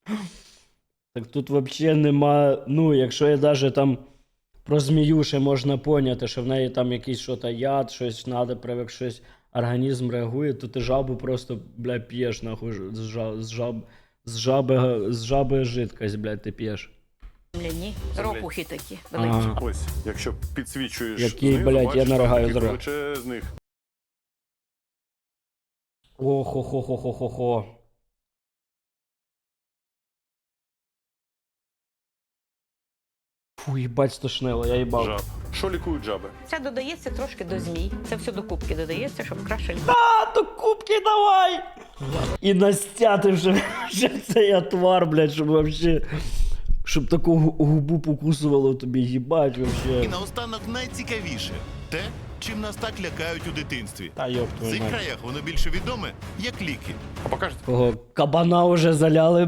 Так тут взагалі нема. Ну, якщо я навіть там про змію ще можна поняти, що в неї там якийсь що-то яд, щось треба, привик, щось організм реагує, то ти жабу просто, бля, п'єш, нахуй, з жаби жидкость, блядь, ти п'єш. Ні, ропухи такі великі. Ага. Ось, якщо підсвічуєш Який, знизу, блядь, я бачиш, наригаю там таких зра. величезних. Охо-хо-хо-хо-хо-хо. Фу, їбать, стошнило, я їбав. Жаб. Що лікують жаби? Це додається трошки до змій. Це все до кубки додається, щоб краще А, то кубки давай! І настяти вже цей отвар, блядь, щоб вообще... Щоб таку губу покусувало тобі, їбать, І вообще. наостанок найцікавіше те, чим нас так лякають у дитинстві. Та йоп В твою цих мать. краях воно більше відоме як ліки. А покажете? Кого кабана вже заляли,